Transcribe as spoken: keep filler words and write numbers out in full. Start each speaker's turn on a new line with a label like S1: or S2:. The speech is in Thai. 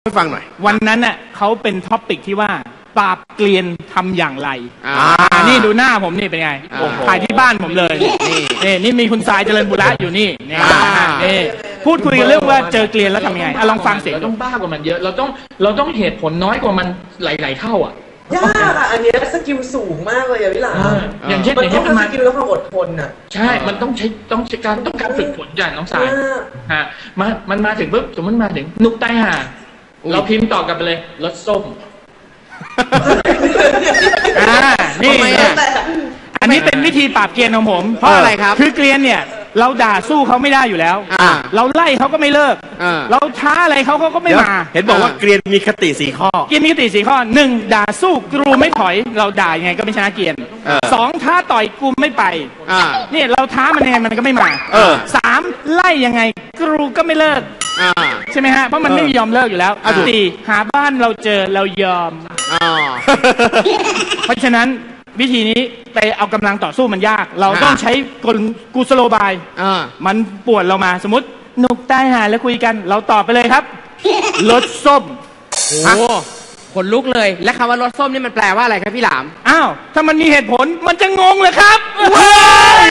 S1: ให้ฟังหน่อย
S2: วันนั้นน่ะเขาเป็นท็อปิกที่ว่าปราบเกลียนทำอย่างไรอ่านี่ดูหน้าผมนี่เป็นไงถ่ายที่บ้านผมเลยนี่นี่นี่มีคุณทรายเจริญบุระอยู่นี่นี่นี่พูดคุยกันเรื่องว่าเจอเกลียนแล้วทำยังไงอ่ะลองฟังเสียง
S3: เราต้องบ้ากว่ามันเยอะเราต้องเราต้องเหตุผลน้อยกว่ามันหลายๆเท่าอ่ะ
S4: ยากอ่ะอันนี้สกิลสูงมากเลยอ่ะพี่หลาน
S3: อย่างเช่นอย่างเช่น
S4: มันมาสกิลแล้วความอดทนอ่ะ
S3: ใช่มันต้องใช้ต้องใช้การต้องการฝึกฝนอย่างน้องสายฮะมามันมาถึงปุ๊บสมมติมาถึงนุกใต้ห่าเราพิมพ์ต่อกลับไปเลยรสส้ม
S2: อ่านี่อันนี้เป็นวิธีปราบเกลียนของผม
S1: เพราะอะไรครับ
S2: คือเกลียนเนี่ยเราด่าสู้เขาไม่ได้อยู่แล้วเราไล่เขาก็ไม่เลิกเราท้าอะไรเขาเขาก็ไม่มา
S1: เห็นบอกว่าเกลียนมีคติสี่ข้อ
S2: เกลียนมีคติสี่ข้อหนึ่งด่าสู้กรูไม่ถอยเราด่ายังไงก็ไม่ชนะเกลียนสองท้าต่อยกูไม่ไปนี่เราท้ามันยังไงมันก็ไม่มาสามไล่ยังไงกรูก็ไม่เลิกใช่ไหมฮะเพราะมันไม่ยอมเลิกอยู่แล้วสี่หาบ้านเราเจอเรายอมเพราะฉะนั้นวิธีนี้ไปเอากำลังต่อสู้มันยากเราต้องใช้กลกุศโลบายมันปวดเรามาสมมตินุกใต้หาแล้วคุยกันเราตอบไปเลยครับรสส้ม
S5: โอ้ขนลุกเลยและคำว่ารสส้มนี่มันแปลว่าอะไรครับพี่หลาม
S2: อ้าวถ้ามันมีเหตุผลมันจะงงเลยครับ